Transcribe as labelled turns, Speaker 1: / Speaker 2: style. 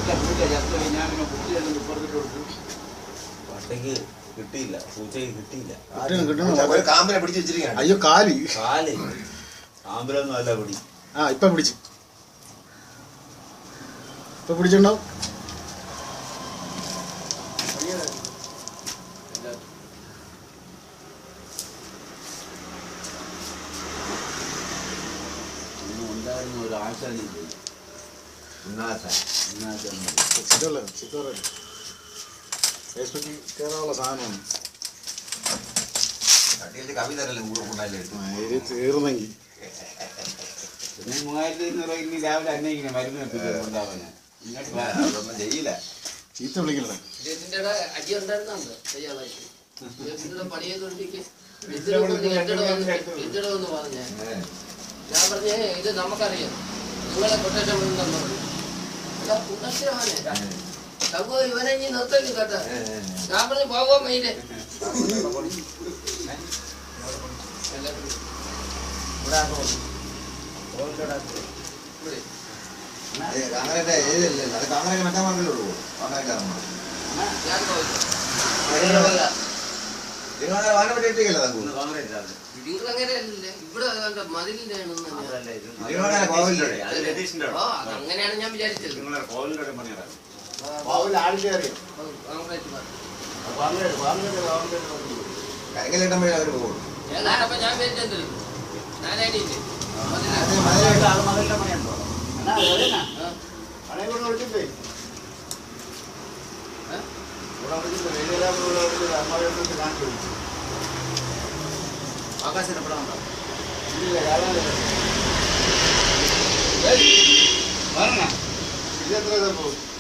Speaker 1: പട്ടയ്ക്ക് കിട്ടിയില്ല, പൂച്ചയ്ക്ക് കിട്ടിയില്ല.
Speaker 2: കാമ്പിനെ പിടിച്ച് വെച്ചിരിക്കുകയാണ്.
Speaker 3: അയ്യോ കാല്
Speaker 1: കാമ്പിലൊന്നും അല്ല പിടി.
Speaker 3: ഇപ്പൊ പിടിച്ചിട്ടുണ്ടാവും.
Speaker 1: ഒരാഴ്ച
Speaker 3: ഫേസ്ബുക്കിൽ കയറാനുള്ള സാധനമാണ്. തീർന്നെങ്കിൽ
Speaker 1: പിന്നെ 3500 ഇനി രാവിലെ അന്വേഷിക്കണം മരുന്ന് ഉണ്ടാവാന്. ചെയ്യില്ല,
Speaker 3: ചീത്ത വിളിക്കണേ.
Speaker 4: അടി ഉണ്ടായിരുന്നുണ്ട് പണി ചെയ്തോണ്ടിരിക്കും. പറഞ്ഞേ ഞാൻ പറഞ്ഞേ ഇത് നമുക്കറിയാം, നിങ്ങളെ കൊട്ടേഷൻ സംഭവം ഇവനെ ഇനി നിർത്തല്ലേ കേട്ടോ. ഞാൻ പറഞ്ഞു പോകാൻ വൈകിട്ടേ നിങ്ങളങ്ങനെയല്ലേ ഇവിടെ അങ്ങനെയാണ് ഞാൻ വിചാരിച്ചത്. ഏതാണ്ടപ്പോ ഞാൻ വിചാരിച്ചെന്തല്ലോ നാരായണിയില്ലേ
Speaker 1: ആകാശപ്പെടാൻ
Speaker 3: ഇതെത്ര പോകും?